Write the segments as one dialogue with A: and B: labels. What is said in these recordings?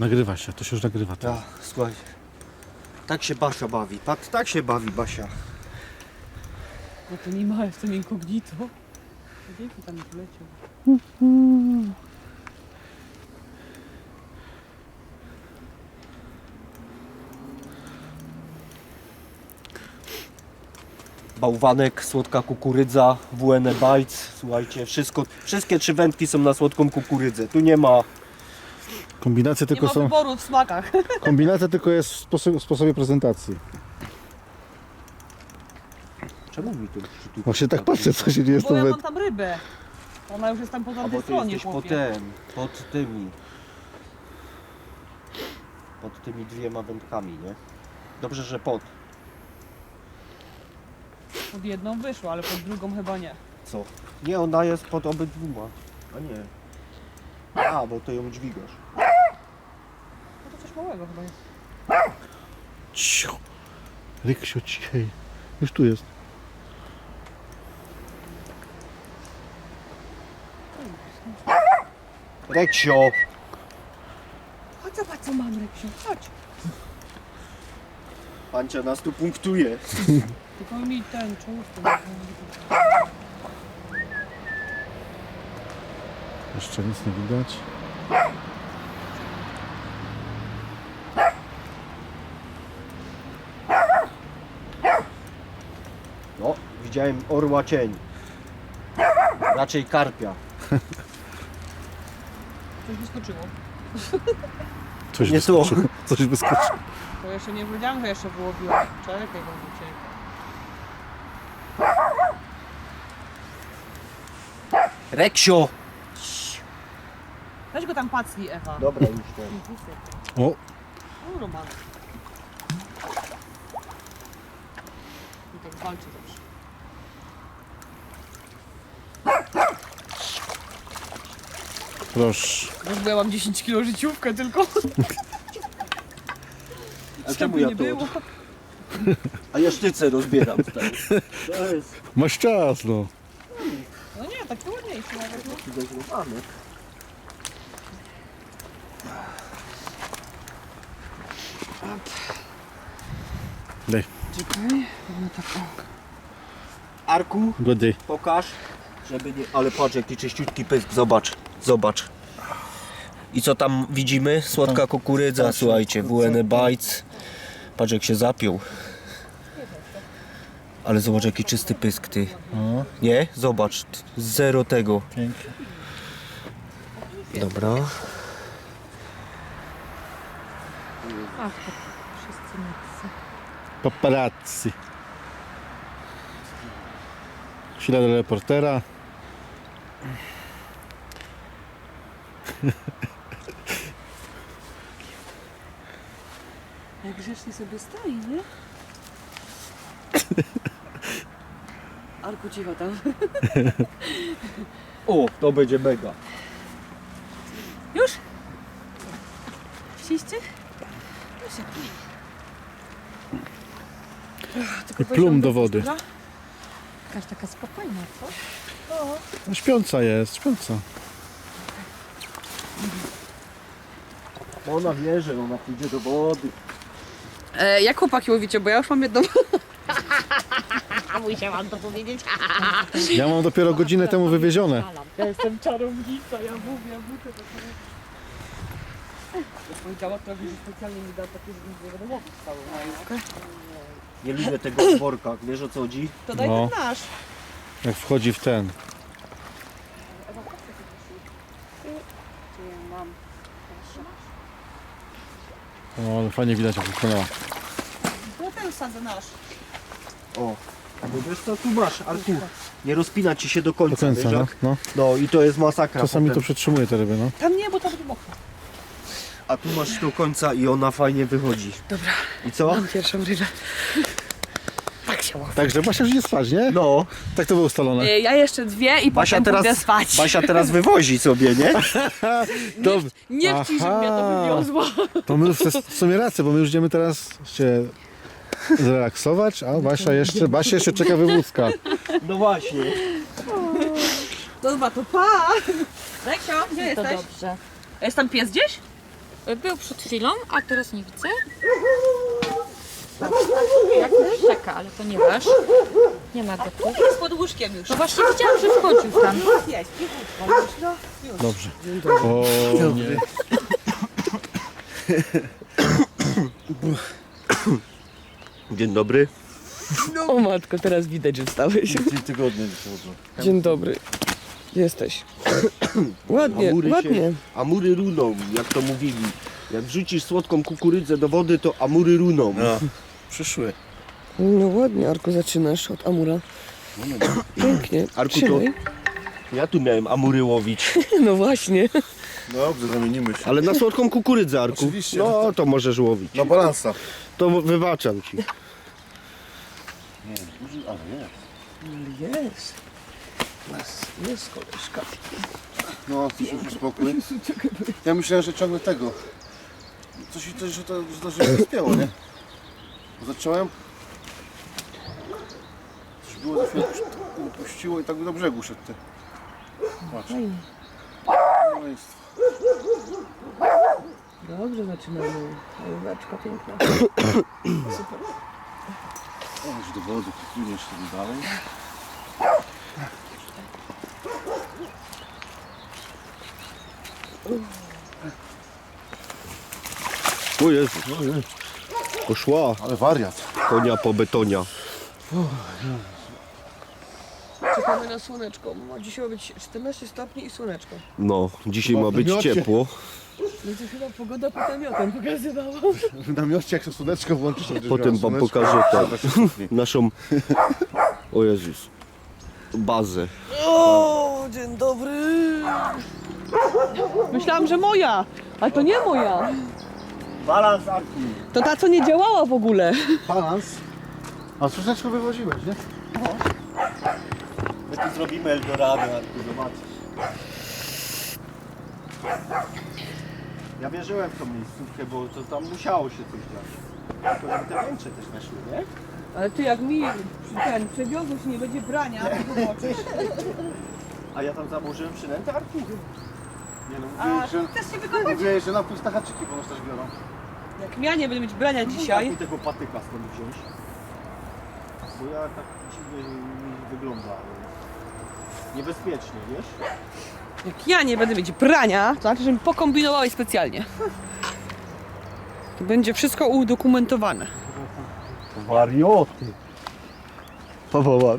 A: Nagrywa się, to się już nagrywa teraz.
B: Ja, słuchaj. Tak się Basia bawi. Tak się bawi Basia.
C: No to nie ma, jestem incognito. Dzięki tam nie poleciał.
B: Bałwanek, słodka kukurydza, WN Bites. Słuchajcie, wszystkie 3 wędki są na słodką kukurydzę. Tu nie ma.
A: Kombinacje
C: Nie
A: tylko
C: ma
A: są.
C: wyboru w smakach.
A: Kombinacja tylko jest w sposobie prezentacji.
B: Czemu mi tu
A: Właśnie tak patrzę, co się dzieje z
C: Bo
A: tą
C: ja
A: węd...
C: mam tam rybę. Ona już jest tam po
B: A
C: tamtej
B: bo ty
C: stronie,
B: jesteś
C: chłopie.
B: pod tymi 2 wędkami, nie? Dobrze, że pod.
C: Pod jedną wyszło, ale pod drugą chyba nie.
B: Co? Nie, ona jest pod obydwoma. A nie. A, bo to ją dźwigasz.
C: No to coś małego chyba jest.
A: Cicho. Ryksiu, cichej. Już tu jest.
B: Reksio!
C: Chodź zobacz co mam, Reksiu, chodź.
B: Pancia nas tu punktuje.
C: Tylko mi ten czołówkę.
A: Jeszcze nic nie widać.
B: No, widziałem orła cień. Raczej karpia.
C: Coś wyskoczyło.
A: Coś
B: Nie tu.
A: wyskoczyło. Coś wyskoczyło.
C: To jeszcze nie wiedziałam, że jeszcze wyłowiłam. Czekaj, bo uciekł.
B: Reksio!
C: Weź go tam pacnij, Ewa.
B: Dobra, już to.
A: O,
C: O, Roman. I tak walczy zawsze.
A: proszę.
C: Wiesz, bo ja mam 10 kg życiówkę tylko.
B: A
C: Żeby
B: czemu ja
C: nie
B: to?
C: było.
B: A ja sztyce rozbieram. Stary. To jest
A: Masz czas, no.
C: No nie, taki ładniejszy nawet. No.
B: zdecydowane.
A: Daj,
C: Czekaj, no tak o.
B: Arku,
A: godzej.
B: pokaż, żeby nie... Ale patrz jaki czyściutki pysk, zobacz, zobacz. I co tam widzimy? Słodka kukurydza, słuchajcie, WN Bites. Patrz jak się zapiął. Ale zobacz jaki czysty pysk, ty. Nie? Zobacz, zero tego.
A: Pięknie.
B: Dobra.
C: Ach, to wszyscy nacy.
A: Paparazzi. Chwila do reportera.
C: Jak grzecznie sobie stoi, nie? Arku, cicho tam.
B: O, to będzie mega.
C: Już? Chcieliście? No się
A: I plum do wody.
C: Jakaś taka spokojna, co?
A: No, śpiąca jest, śpiąca.
B: Ona wie, że ona pójdzie do wody.
C: Jak chłopaki łowicie, bo ja już mam jedną. Musiałam to powiedzieć.
A: Ja mam dopiero godzinę temu wywiezione.
C: Ja jestem czarownica, ja mówię, muszę to powiedziała trochę, że specjalnie mi da takie, że nie będę łowić całą majówkę.
B: Nie lubię tego w workach, wiesz o co chodzi?
C: To daj
A: No.
C: ten nasz.
A: Jak wchodzi w ten.
C: Czy ja mam?
A: O, ale fajnie widać jak wykonała.
C: No ten sadzę nasz.
B: O, bo wiesz co tu masz, Arku? Nie rozpina ci się do
A: Do
B: końca,
A: końca,
B: wiesz
A: no.
B: jak?
A: no.
B: No i to jest masakra
A: Czasami to
B: potem.
A: przetrzymuje te ryby, no.
C: Tam nie, bo tam będzie mokro.
B: A tu masz do końca i ona fajnie wychodzi.
C: Dobra,
B: I co?
C: mam pierwszą rybę. Tak się łowi.
A: Także Basia już nie spać, nie?
B: No,
A: Tak to było ustalone.
C: Ja jeszcze 2 i
B: Basia
C: potem pójdę
B: teraz,
C: spać.
B: Basia teraz wywozi sobie, nie?
A: Dobrze.
C: Nie chciej, żeby mnie to
A: Aha.
C: wywiozło.
A: To my już w sumie rację, bo my już idziemy teraz się zrelaksować, a Basia jeszcze czeka wywódzka.
B: No właśnie.
C: Dobra, to pa! Reksio, gdzie jesteś?
D: Dobrze.
C: A jest tam pies gdzieś?
D: Był przed chwilą, a teraz nie widzę. Jakiś czeka, ale ponieważ nie ma go tu.
C: Jest pod łóżkiem już.
D: No właśnie widziałam, że wchodził tam.
C: Jest, cichutko. No, już.
A: Dobrze. O, nie.
B: Dzień dobry.
C: O matko, teraz widać, że wstałeś.
A: 3 tygodnie wychodzą.
C: Dzień dobry. Jesteś. Ładnie, ładnie.
B: Amury runą, jak to mówili. Jak wrzucisz słodką kukurydzę do wody, to amury runą.
A: No, przyszły.
C: No ładnie, Arku, zaczynasz od Amura. Pięknie.
B: Arku,
C: Trzymaj.
B: Ja tu miałem amury łowić.
C: No właśnie.
A: Dobrze, zamienimy się.
B: Ale na słodką kukurydzę, Arku.
A: Oczywiście.
B: No to możesz łowić.
A: Na balansa.
B: To wybaczam ci.
A: Ale jest.
C: Jest koleżka.
A: No, ty się uspokój. Ja myślałem, że ciągle tego. Coś, że to się rozpięło, nie? Bo zacząłem. Coś było, to się upuściło i tak do brzegu szedł. Ty. Patrz. No jest.
C: Dobrze zaczynamy. Jóweczka piękna. Super.
A: O, już do wody, płyniesz sobie dalej.
B: O Jezu. Poszła
A: Ale wariat.
B: konia po betonia.
C: Czekamy na słoneczko. Ma dzisiaj ma być 14 stopni i słoneczko.
B: No, dzisiaj ma być
A: Namiocie.
B: ciepło.
C: No to chyba pogoda pod namiotem pokazywała.
A: W namiocie jak się słoneczko włączy, to
B: Potem wam pokażę naszą, o Jezus, bazę.
C: O, dzień dobry. Myślałam, że moja, ale to nie moja.
B: Balans, Arku.
C: To ta, co nie działała w ogóle.
A: Balans. A słoneczko wywoziłeś, nie?
B: My tu zrobimy Eldorado, Arku, zobaczysz. Ja wierzyłem w tą miejscówkę, bo to tam musiało się coś dziać. Tylko żeby te węcze też weszły, nie?
C: Ale ty jak mi przewiozłeś, nie będzie brania, to zobaczysz.
B: A ja tam założyłem przynętę, Arku.
A: Nie no,
C: A
A: mówiłeś, że,
C: chcesz się wykopać?
A: mówiłeś, że na puste haczyki ponoć też biorą.
C: Jak ja nie będę mieć brania dzisiaj,
B: Jak mi tego patyka stąd wziąć? Bo ja tak dziwnie mi wygląda. Ale niebezpiecznie, wiesz?
C: jak ja nie będę mieć brania, to znaczy, że mi pokombinowałeś specjalnie. To będzie wszystko udokumentowane.
B: Warioty. Pawała.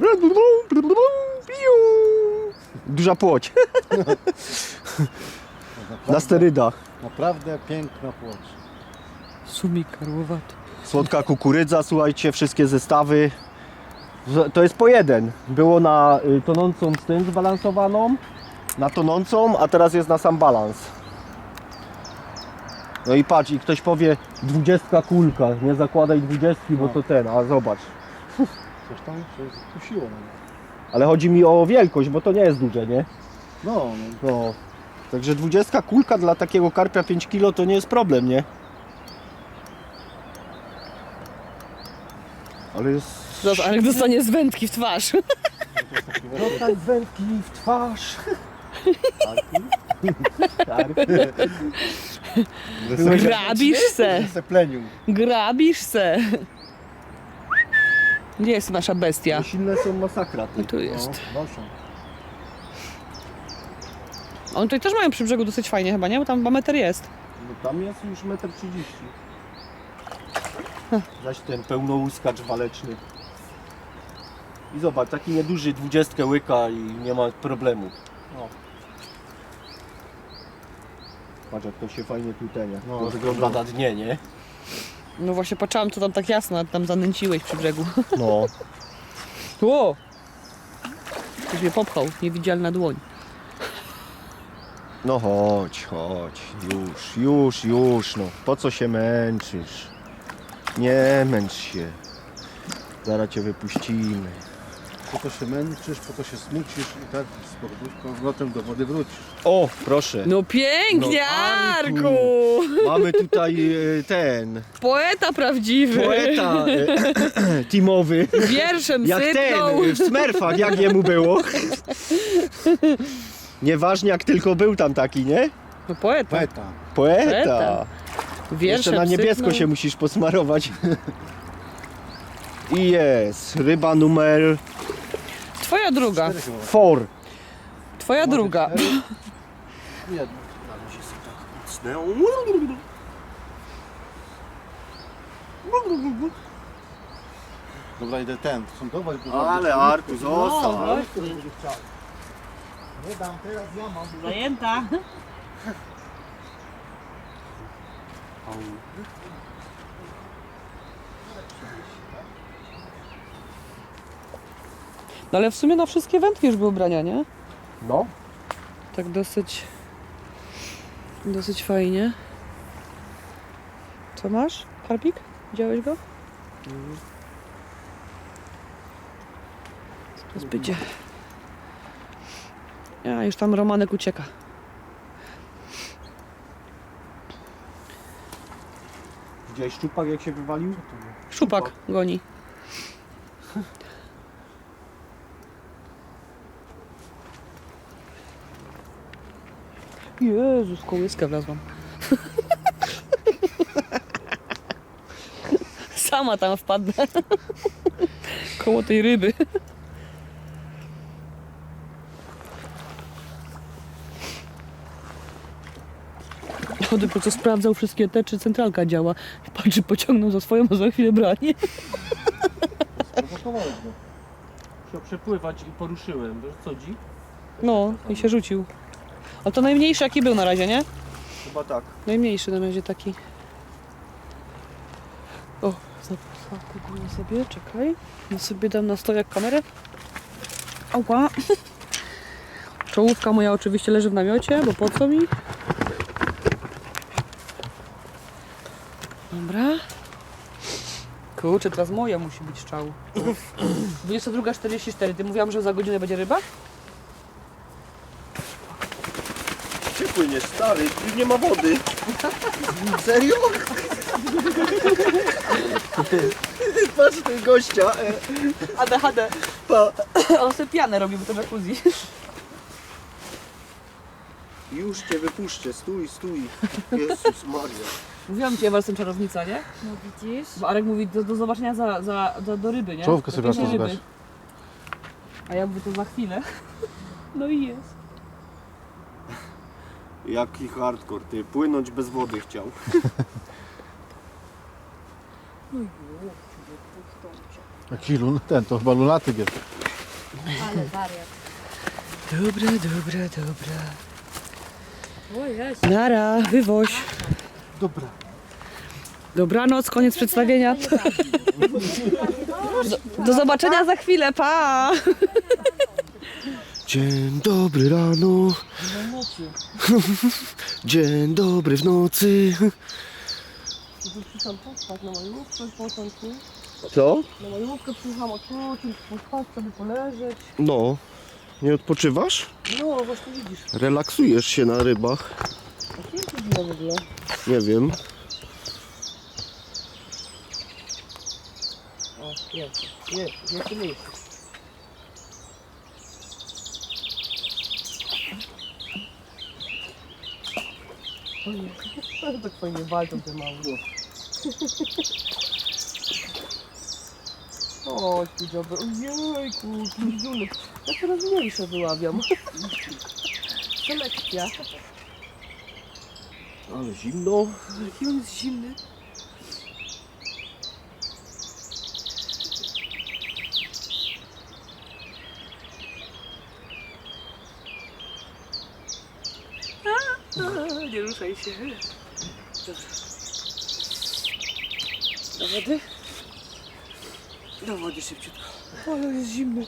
B: Duża płoć. Na sterydach.
A: Naprawdę piękna płoć.
C: Sumik karłowaty.
B: Słodka kukurydza, słuchajcie, wszystkie zestawy. To jest po jeden. Było na tonącą z tym zbalansowaną, na tonącą, a teraz jest na sam balans. No i patrz, i ktoś powie 20 kulka, nie zakładaj 20, bo to ten, a zobacz.
A: Coś tam się kusiło.
B: Ale chodzi mi o wielkość, bo to nie jest duże, nie?
A: No,
B: No. Także 20 kulka dla takiego karpia 5 kg to nie jest problem, nie? Ale jest...
C: Zobacz, ale dostanie z wędki w twarz.
B: Dostań wędki w twarz.
C: Grabisz se.
A: Zeplenił.
C: Grabisz se. Gdzie jest nasza bestia?
B: Silne są masakra. Ty.
C: Tu jest.
A: No, noszą.
C: Oni tutaj też mają przy brzegu dosyć fajnie chyba, nie? Bo tam chyba metr jest.
B: No tam jest już 1,30 m. Zaś ten pełnołuskacz waleczny. I zobacz, taki nieduży 20 łyka i nie ma problemu.
A: No.
B: Patrz jak to się fajnie tutenia.
A: No,
B: To wygląda na dnie, nie?
C: No właśnie patrzyłam, co tam tak jasno, a tam zanęciłeś przy brzegu.
B: No.
C: Ło! Ktoś mnie popchał, niewidzialna dłoń.
B: No chodź, chodź. Już, no. Po co się męczysz? Nie męcz się. Zaraz cię wypuścimy.
A: Po to się męczysz, po to się smucisz i tak z powrotem do wody wrócisz.
B: O, proszę.
C: No pięknie,
B: No, Arku!
C: Arku!
B: Mamy tutaj ten
C: Poeta prawdziwy.
B: poeta teamowy.
C: Wierszem
B: Jak
C: sypnął.
B: ten w Smurfach, jak jemu było. Nieważnie jak tylko był tam taki, nie?
C: No poeta.
A: Poeta.
B: Poeta.
C: Poeta. Wiersze,
B: Jeszcze na niebiesko
C: psyknął.
B: się musisz posmarować. I jest ryba numer
C: Twoja druga.
B: 4.
C: Twoja druga.
A: Jedno. Dobra, idę ten, sądować, bo
B: Ale Arku, zostaw.
A: nie dam, teraz ja mam.
C: Zajęta. No ale w sumie na wszystkie wędki już były ubrania, nie?
B: No.
C: Tak dosyć fajnie. Co masz? Karpik? Widziałeś go? Teraz będzie. Ja już tam Romanek ucieka.
B: Widziałeś szczupak jak się wywalił?
C: Szupak goni. Jezus, kołyskę wlazłam. Sama tam wpadnę. Koło tej ryby. On dopiero co sprawdzał wszystkie te, czy centralka działa. Patrzy, pociągnął za swoją, a za chwilę branie.
A: Sprowokowałeś go.
B: Chciał przepływać i poruszyłem. Wiesz co dzi?
C: No, i się rzucił. A to najmniejszy jaki był na razie, nie?
B: Chyba tak.
C: Najmniejszy na razie taki. O, zapakuję sobie, czekaj. Ja sobie dam na stojak kamerę. Ała. Czołówka moja oczywiście leży w namiocie, bo po co mi? Dobra. Kurczę, teraz moja musi być strzał. 22:44. Ty mówiłam, że za godzinę będzie ryba?
B: Gdzie płyniesz, stary? Tu nie ma wody. Serio? Patrz ten gościa.
C: ADHD.
B: Pa.
C: On sobie pianę robi, bo to jacuzzi.
B: Już cię wypuszczę, stój, stój. Jezus Maria.
C: Mówiłam ci, Ewa, jestem czarownica, nie?
D: No widzisz?
C: Bo Arek mówi do zobaczenia do ryby, nie?
A: Czołówkę
C: Do
A: sobie raz
C: pięknej
A: nazwać.
C: ryby. A ja mówię to za chwilę. No i jest.
B: Jaki hardcore, ty. Płynąć bez wody chciał.
A: Jaki ten, to chyba lunatyk jest.
D: Ale wariat.
C: Dobra.
D: O jest.
C: Nara, wywoź.
A: Dobra.
C: Dobranoc, koniec przedstawienia. Do zobaczenia za chwilę, pa!
B: Dzień dobry rano. Dzień dobry w nocy.
C: Przyszłam pospać na majówkę w początku.
B: Co?
C: Na majówkę przyjechałam odpocząć, pospać sobie, poleżeć.
B: No. Nie odpoczywasz?
C: No, właśnie widzisz.
B: Relaksujesz się na rybach.
C: A kim to było w ogóle?
B: Nie wiem.
C: O, jest miejsce. Ojej, tak fajnie walczą te małe. O, ty dziobę, ojejku, pizdunek. Ja coraz mniejsze wyławiam. Selekcja.
B: Ale zimno.
C: Jaki on jest zimny. Nie ruszaj się. Dobra. Do wody? Do wody szybciutko. Ale jest zimny.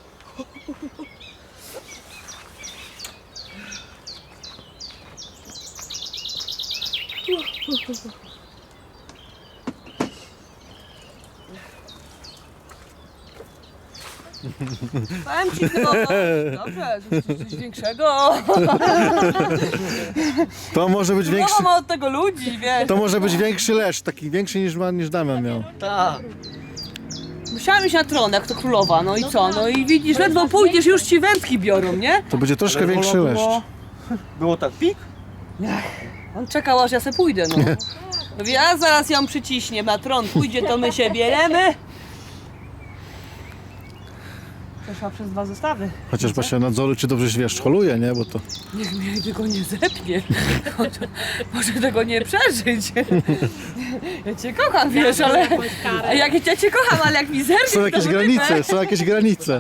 C: Powiem ci chyba, dobrze, coś większego.
A: To może być większy,
C: Głowa ma od tego ludzi, wiesz.
A: to może być większy lesz, taki większy niż Damian miał.
B: Tak.
C: Musiałam iść na tron, jak to królowa, no i co? No i widzisz, ledwo pójdziesz, już ci wędki biorą, nie?
A: To będzie troszkę większy
B: Było-
A: leszcz.
B: Było tak pik?
C: On czekał, aż ja se pójdę, no. Mówi, ja zaraz ją przyciśnie na tron, pójdzie to my się bieremy. Przeszła przez 2 zestawy.
E: Chociaż Basia nadzoru, czy dobrze się wiesz, holuje, nie? Bo to...
C: Niech mnie tego nie zepnie. Może tego nie przeżyć. Ja cię kocham, wiesz, ale... A jak ja cię kocham, ale jak mi zerwie,
E: Są jakieś granice, są jakieś granice.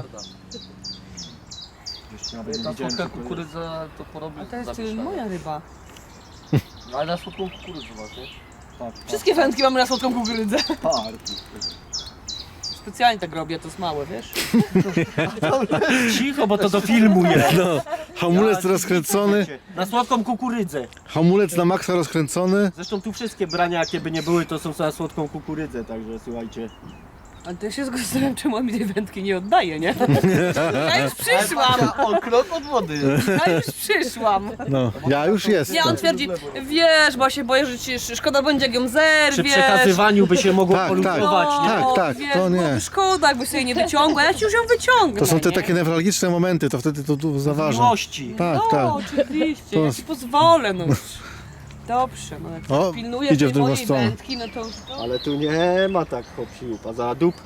B: Ta słodka kukurydza to porobi.
C: A to jest moja ryba.
B: Ale na słodką kukurydzę właśnie. Tak,
C: Wszystkie wędki mamy na słodką kukurydzę.
B: tak.
C: Specjalnie tak robię, to jest małe, wiesz?
B: Cicho, bo to do filmu jest.
E: No, hamulec rozkręcony,
B: Na słodką kukurydzę.
E: hamulec na maksa rozkręcony.
B: Zresztą tu wszystkie brania, jakie by nie były, to są na słodką kukurydzę, także słuchajcie.
C: Ale to ja się zastanawiam, czemu on mi tej wędki nie oddaje, nie? Ja już przyszłam!
B: O, krok od wody.
C: Ja już przyszłam!
E: No, ja już jestem.
C: Nie, on twierdzi, wiesz, bo się boję, że ci szkoda będzie, jak ją zerwiesz.
B: Przy przekazywaniu by się mogło
E: Tak,
B: poluzować, nie?
E: Tak, tak,
C: wiesz,
E: to nie.
C: byłoby szkoda, jakby sobie nie wyciągła, ja ci już ją wyciągnę.
E: To są te
C: nie?
E: takie newralgiczne momenty, to wtedy to tu zaważa.
B: Miłości.
E: Tak,
C: No,
E: tak.
C: oczywiście,
E: To
C: ja
E: jest-
C: ci pozwolę, no już. Dobrze, no jak
E: O,
C: pilnujesz
E: idzie w
C: tej
E: drugą
C: mojej
E: stronę.
C: wędki, no to...
B: Ale tu nie ma tak hop-siup, a za dup.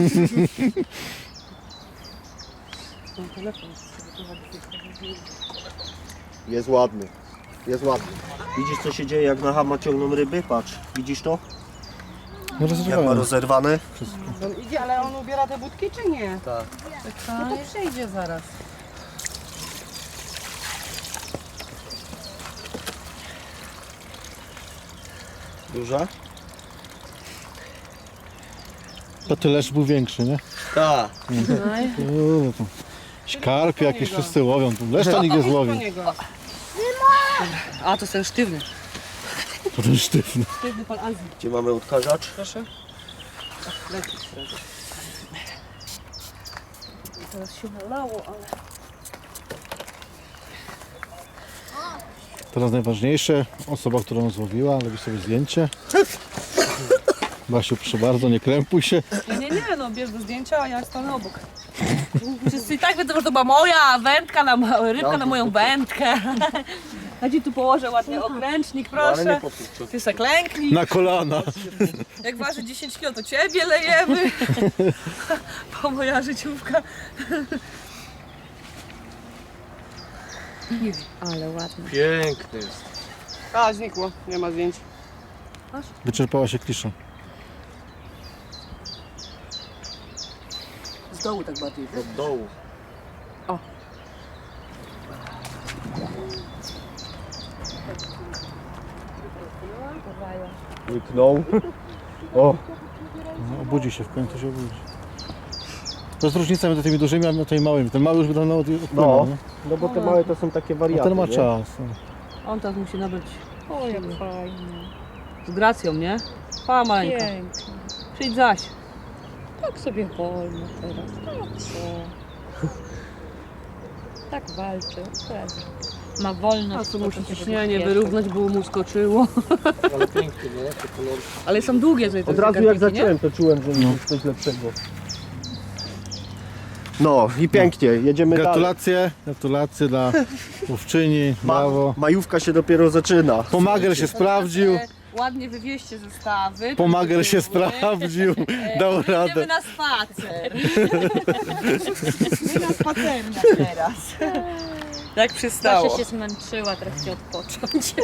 B: Jest ładny. Jest ładny. Widzisz co się dzieje jak na hama ciągną ryby? Patrz. Widzisz to?
E: No
B: Jak ma
E: rozrywałem.
B: rozerwane?
C: On idzie, ale on ubiera te budki, czy nie?
B: Tak.
C: No to przejdzie zaraz.
B: Duża?
E: To ty leszcz był większy, nie?
B: Tak.
E: To Skarpie jakieś wszyscy łowią, tu leszcza nikt nie złowi.
C: A, to jest ten sztywny.
E: To ten sztywny.
C: Sztywny pan Azji.
B: Gdzie mamy odkażacz?
C: Proszę. Leci sredo. Teraz się nalało, ale...
E: Teraz najważniejsze, osoba, która nas złowiła, robi sobie zdjęcie. Basiu, proszę bardzo, nie krępuj się.
C: Nie, no bierz do zdjęcia, a ja stanę obok. Wszyscy i tak wiedzą, że to była moja wędka, rybka na moją wędkę. Ja ci tu położę ładnie okręcznik, proszę. Ty se klęknij.
E: Na kolana.
C: Jak waży 10 kg, to ciebie lejemy. Bo moja życiówka.
D: Ale ładny.
B: Piękny jest.
C: A, znikło, nie ma zdjęć.
E: Wyczerpała się klisza.
C: Z dołu tak bardziej.
B: Od dołu. Łyknął. O.
E: No, obudzi się, w końcu się obudzi. To jest różnica między tymi dużymi, a tymi małymi. Ten mały już by dawno odpłynął,
B: No.
E: nie?
B: No bo te małe to są takie
E: A
B: wariaty,
E: ten ma
B: nie?
E: czas. No.
C: On teraz musi nabyć
D: O, jak fajnie.
C: z gracją, nie? Pa, Mańka.
D: Pięknie.
C: Przyjdź zaś.
D: Tak sobie wolno teraz. Tak co? Tak walczy. Pewnie. Ma wolność.
C: A tu
D: to
C: musi
D: się
C: ciśnienie
D: bezpiecznie.
C: wyrównać, bo mu skoczyło.
B: Ale piękny, nie? Te kolory.
C: Ale są długie tutaj te
B: Od razu jak
C: zegarniki, nie?
B: zacząłem, to czułem, że jest coś lepszego. No i pięknie, jedziemy dalej.
E: Gratulacje, gratulacje dla łowczyni, brawo.
B: Majówka się dopiero zaczyna.
E: Pomager się sprawdził,
C: Ładnie wywieźcie zestawy.
E: pomager się
C: Były.
E: sprawdził, dał
C: Idziemy
E: radę.
C: na spacer. My na spacerniach teraz. Jak przystało.
D: Basia się zmęczyła, teraz chce odpocząć.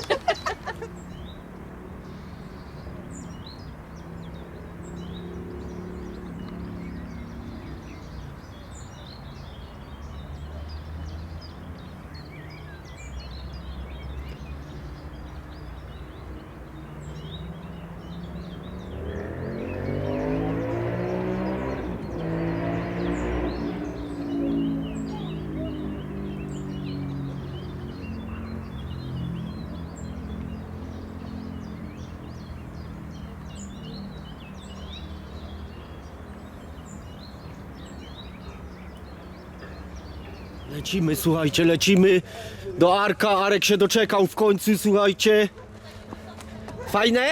B: Lecimy, słuchajcie, lecimy do Arka. Arek się doczekał w końcu, słuchajcie. Fajne?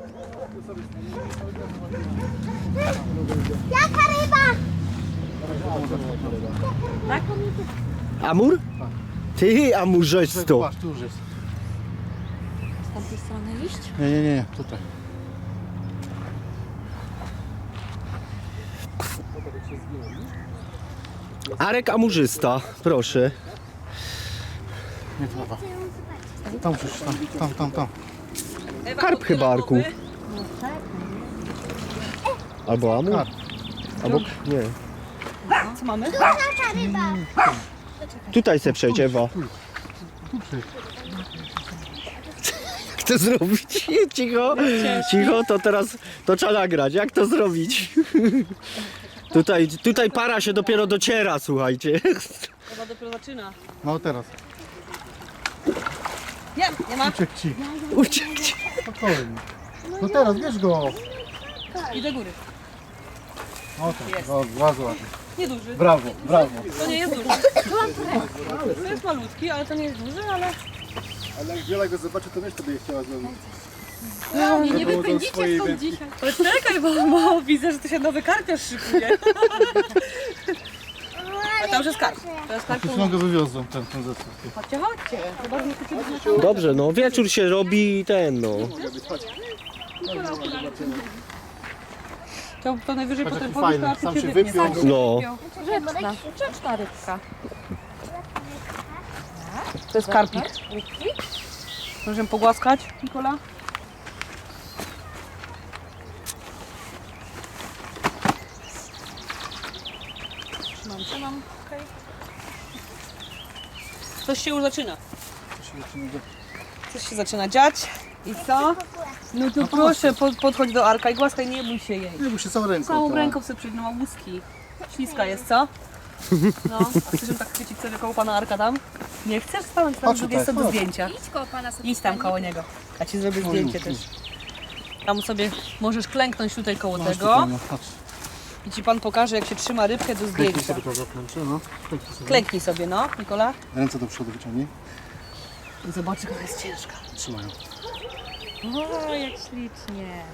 B: Amur? Ty, amurzesto.
E: Patrz, tu już jest.
D: Z tamtej strony iść?
E: Nie, tutaj.
B: Arek amurzysta, proszę.
E: Nie trzeba. Tam coś, tam.
B: Karp chyba, Arku. Albo amur?
E: Karp.
B: Albo nie.
C: Co mamy?
B: Tutaj se przejdź, Ewa. Jak to zrobić? Cicho, cicho, to teraz to trzeba nagrać. Jak to zrobić? Tutaj para się dopiero dociera, słuchajcie.
C: Chyba dopiero zaczyna.
E: No teraz.
C: Nie ma.
E: Uciekł ci.
B: Uciekcie.
E: Spokojnie. No teraz, bierz go.
C: I do góry.
E: O tak, o, bardzo ładnie.
C: Nieduży.
E: Brawo.
C: To nie jest duży. To jest malutki, ale to nie jest duży, ale...
A: Ale jak Wiola go zobaczy, to wiesz, to by je chciała zrobić.
C: Nie wypędzicie stąd dzisiaj. Ale czekaj, bo widzę, że tu się nowy karpiarz szykuje. A tam już jest karp. To jest karp.
E: Już go wywiozłem, ten zestaw.
C: Chodźcie. Chyba, że nie chcecie być na
B: Dobrze, no wieczór się robi i ten, no.
C: To najwyżej
E: Patrz,
C: potem
E: jaki fajny,
C: powiesz,
E: sam
C: to
E: się
C: się wytnie.
E: wypiął.
B: No.
D: Grzeczna rybka.
C: To jest karpik. Możemy pogłaskać, Nikola? Trzymam. Okej. Coś się już zaczyna. Coś się zaczyna dziać. I co? No to proszę, podchodź do Arka i głaskaj, nie bój się jej.
A: Nie, bo się całą ręką.
C: Całą
A: tak.
C: ręką sobie przyjdzie, no ma łuski. Śliska jest, co? No, a chcesz ją tak chwycić sobie koło pana Arka tam? Nie chcesz stanąć tam
A: Chodź
C: z drugiej
A: tutaj,
C: strony do
A: chodź.
C: zdjęcia.
D: Idź koło pana sobie.
C: Idź tam koło niego. Ja ci zrobię zdjęcie też. Tam sobie możesz klęknąć tutaj koło tego
E: No, patrz.
C: i ci pan pokaże, jak się trzyma rybkę do
E: Klęknij
C: zdjęcia.
E: sobie to zaplęcze, no. Klęknij sobie.
C: Klęknij sobie, no, Nikola.
A: Ręce do przodu wyciągnij.
C: I zobacz, jaka jest ciężka.
A: Trzymają.
D: O, jak ślicznie.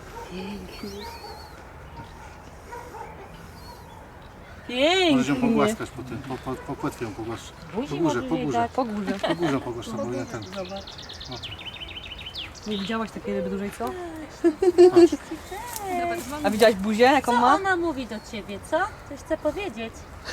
A: Możesz ją
C: Pięknie.
A: pogłaskać po tym, po płetwie ją pogłasz. Po
D: Buzi
A: górze,
D: może
A: po
D: jej
A: górze.
D: dać.
C: Po górze.
A: Po górze pogłasz, to było nie ten.
C: Zobacz.
A: No to.
C: Nie widziałaś takiej ryby dużej, co?
D: Cześć.
C: A widziałaś buzię, jaką
D: Co
C: ma?
D: ona mówi do ciebie, co? Coś chce powiedzieć.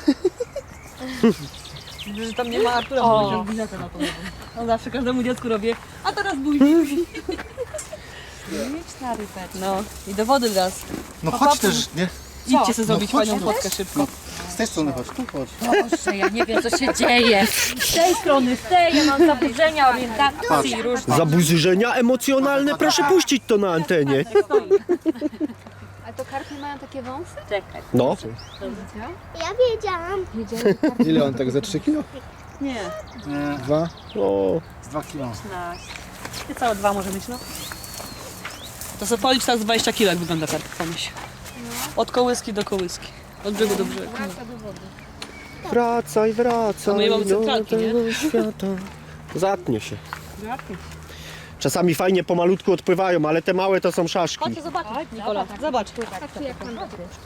C: Że tam nie ma Artura,
D: O.
C: bo będzie biletę na to. On zawsze każdemu dziecku robię, a teraz buzi.
D: Śliczna rybeczka.
C: No i do wody teraz.
A: No chodź też, nie?
C: Idźcie sobie zrobić
A: chodź
C: fajną
A: tu.
C: fotkę szybko.
A: Z tej strony chodź, tu chodź.
D: Boże, ja nie wiem, co się dzieje. Z tej strony, z tej, ja mam zaburzenia orientacji różne.
B: Zaburzenia emocjonalne, proszę puścić to na antenie.
F: A to karpie mają takie wąsy?
D: Czekaj.
B: No.
F: Ja wiedziałam.
E: Ile on tak za 3 kilo?
C: Nie,
A: Nie,
E: 2?
B: O,
A: z 2 kilo.
C: całe 2 może być, no. To sobie policz tak z 20 kg, jak wygląda karp, pomyśl. Od kołyski do kołyski. Od brzegu do brzegu.
B: wracaj,
C: A my nie mamy
B: do
C: centralki, nie?
B: tego świata. Zatnie się. Czasami fajnie pomalutku odpływają, ale te małe to są szaszki.
D: Chodź zobaczyć.
C: Nikola, zobacz.
F: Patrzcie jak mam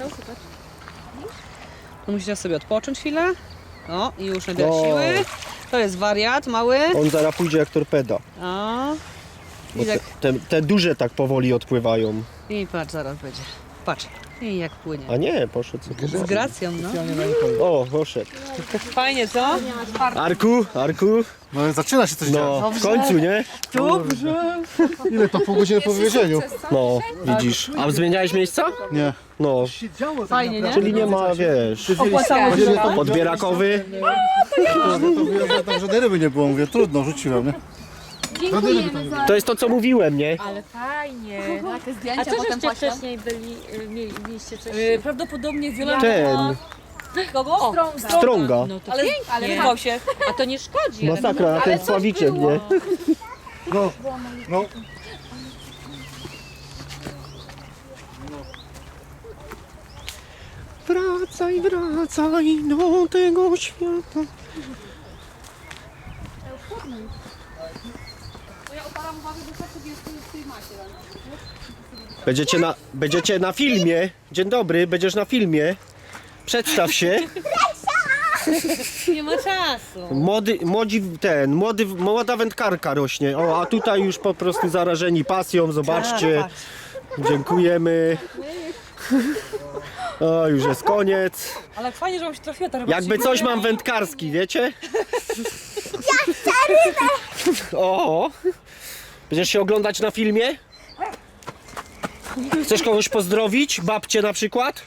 C: No musicie sobie odpocząć chwilę. O, i już nabierać
B: O.
C: siły. To jest wariat mały.
B: On zaraz pójdzie jak torpeda.
C: O.
B: Bo
C: I tak,
B: te duże tak powoli odpływają.
C: i patrz, zaraz będzie. Patrz. I jak płynie.
B: A nie, poszedł sobie.
C: Z gracją, no.
B: O, poszedł.
C: Fajnie, co?
B: Arku,
A: No zaczyna się coś dziać.
B: no w końcu, nie?
C: Dobrze.
E: Ile to pół godziny po wywiezieniu?
B: No, widzisz. A zmieniałeś miejsca?
E: Nie.
B: No,
C: Fajnie, nie?
B: czyli nie ma, wiesz,
C: Opłacało się.
B: odbierakowy.
E: To wywiozłem, tam żadnej ryby nie było, mówię, trudno, rzuciłem, nie?
F: Dziękujemy za
B: To jest to, co mówiłem, nie?
D: Ale fajnie.
F: takie zdjęcia.
D: A co
F: potem
D: żeście
F: poślę.
D: wcześniej byli, mieliście coś?
C: Prawdopodobnie Wiola
B: Ten,
C: kogo?
B: strąga.
D: No to
C: Ale
D: pięknie.
C: wyrwał się.
D: A to nie szkodzi. ale
B: Masakra, na ten sławiczek, nie?
E: No, no.
B: Wracaj, wracaj do tego świata. Będziecie na filmie. Dzień dobry, będziesz na filmie. Przedstaw się.
C: Nie ma czasu.
B: Młoda wędkarka rośnie. O, a tutaj już po prostu zarażeni pasją, zobaczcie. Dziękujemy. O, już jest koniec.
C: Ale fajnie, że wam się trafiła ta ryba.
B: Jakby coś mam wędkarski, wiecie? Ja chcę rybę! O! Będziesz się oglądać na filmie? Chcesz kogoś pozdrowić? Babcię na przykład?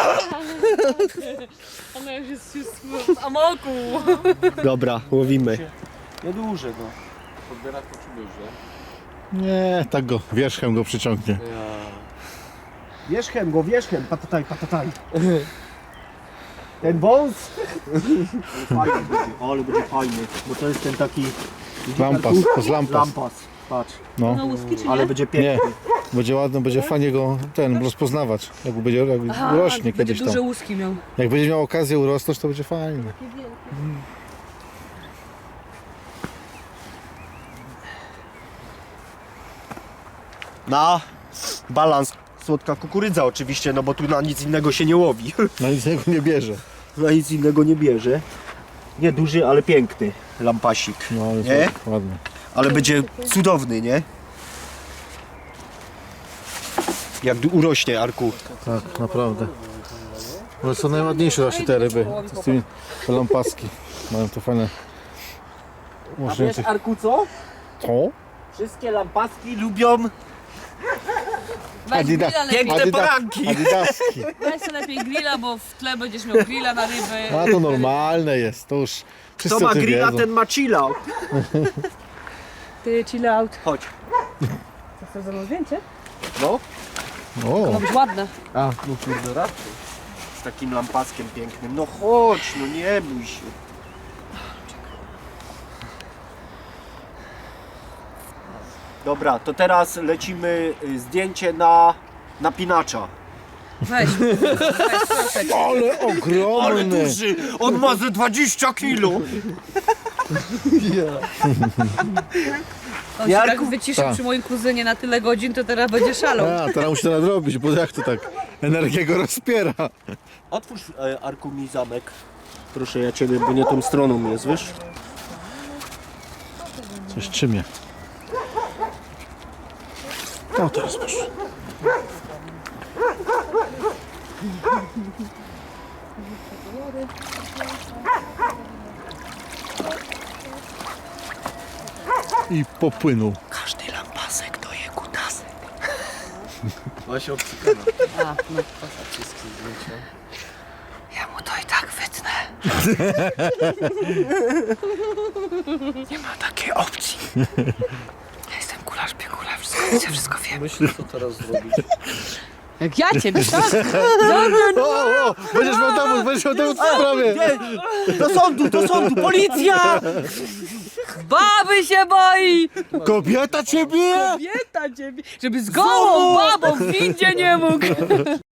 C: Ona już jest w amoku.
B: Dobra, łowimy.
A: Nieduże no. Podbierak to czujesz, że?
E: Nie, tak go, wierzchem go przyciągnie.
B: Wierzchem go, wierzchem, patataj, patataj. Ten wąs? Fajny będzie, ale będzie fajny, bo to jest ten taki...
E: Lampas, to z lampas.
B: Lampas, patrz,
E: No,
C: No łuski czy nie?
B: ale będzie
E: nie,
B: piękny.
E: będzie ładno, będzie fajnie go rozpoznawać. Jak będzie, jak urośnie
C: będzie
E: kiedyś
C: duże
E: tam.
C: łuski miał.
E: Jak będzie miał okazję urosnąć, to będzie fajnie.
B: Na balans słodka kukurydza oczywiście, no bo tu na nic innego się nie łowi.
E: No nic niego nie bierze.
B: Na nic innego nie bierze. Nie duży, ale piękny lampasik.
E: No, jest
B: Nie?
E: ładny.
B: Ale będzie cudowny, nie? Jak urośnie, Arku.
E: Tak, naprawdę. One są najładniejsze właśnie te ryby. Z tymi te lampaski. Mają to fajne. Może tych...
B: Arku, co?
E: Co?
B: Wszystkie lampaski lubią
C: Weź
E: Adida-
C: grilla lepiej.
B: piękne poranki.
E: Adidaski.
C: Weź sobie lepiej grilla, bo w tle będziesz miał grilla na ryby.
E: A to normalne jest, to już wszyscy
B: Kto ma
E: o tym
B: grilla,
E: wiedzą.
B: ten ma chill out.
C: Ty chill out.
B: Chodź.
C: Chcesz ze mną zdjęcie?
B: No.
E: O,
C: Ma być ładne.
B: A, no kurde, raczej. Z takim lampaskiem pięknym. No chodź, no nie bój się. Dobra, to teraz lecimy zdjęcie na napinacza.
C: Weź. Weź, proszę.
E: ale ogromny!
B: duży! On ma ze 20 kilo!
C: On się
B: Jarku?
C: tak wyciszył
E: Tak.
C: przy moim kuzynie na tyle godzin, to teraz będzie szalał.
E: A, teraz musi to nadrobić, bo jak to tak energię go rozpiera.
B: Otwórz Arku mi zamek. Proszę ja ciebie, bo nie tą stroną jest, wiesz?
E: Coś czymie. O, teraz proszę. I popłynął.
B: Każdy lampasek to je kutasek.
A: Ona się obcykana.
C: A, no. Ja mu to i tak wytnę. Nie ma takiej opcji. Ja jestem kularz, piekularz, wszystko widzę, wszystko wiem.
A: Myślę, co teraz zrobić.
C: Jak ja ciebie, tak?
E: O, będziesz miał dowód w sprawie.
B: Do sądu, policja!
C: Baby się boi!
E: Kobieta ciebie?
C: Kobieta ciebie, żeby z gołą babą w windzie nie mógł.